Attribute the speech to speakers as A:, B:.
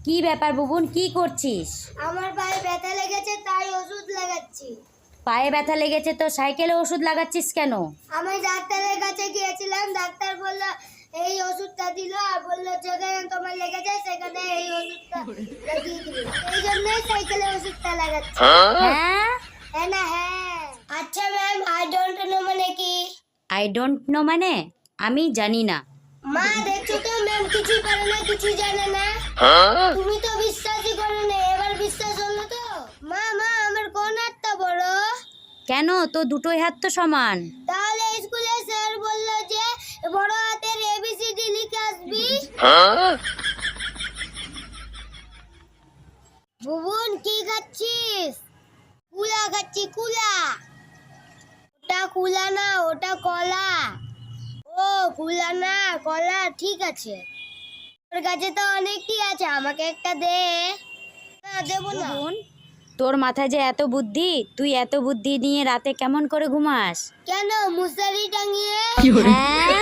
A: কি ব্যাপার বুবুন, কি করছিস?
B: আমার পায়ে ব্যথা লেগেছে তাই ওষুধ লাগাচ্ছি।
A: পায়ে ব্যথা লেগেছে তো সাইকেলে ওষুধ লাগাচ্ছিস কেন?
B: আমি ডাক্তারের কাছে গিয়েছিলাম, ডাক্তার বলল এই ওষুধটা দিল আর বলল যেখানে তোমার লেগেছে সেখানে এই ওষুধটা লাগিয়ে দিবে। এই জন্যই সাইকেলে ওষুধটা লাগাচ্ছি।
A: হ্যাঁ,
B: হ্যাঁ না হ্যাঁ। আচ্ছা ম্যাম, আই ডোন্ট নো মানে কি?
A: আই ডোন্ট নো মানে আমি জানি না।
B: মা দেখছো তো ম্যাম কিছুই পারে না, কিছুই জানে না। তুমি তো বিশ্বাসই করো না, এবার বিশ্বাস হলো তো? মা মা আমার কোন হাতটা বড়?
A: কেন, তো দুটোই হাত তো সমান।
B: তাহলে স্কুলে স্যার বললো যে বড় হাতের এবিসিডি লিখে আসবি। বুবুন কি খাচ্ছিস? কুলা খাচ্ছি, কুলা। ওটা কুলা না, ওটা কলা। ও কুলা না কলা, ঠিক আছে। তোর কাছে তো অনেকই আছে, আমাকে একটা দে। না দেবো না।
A: বুবুন, তোর মাথায় যে এত বুদ্ধি, তুই এত বুদ্ধি নিয়ে রাতে কেমন করে ঘুমাস?
B: কেন মশারি টাঙিয়ে?
A: হ্যাঁ,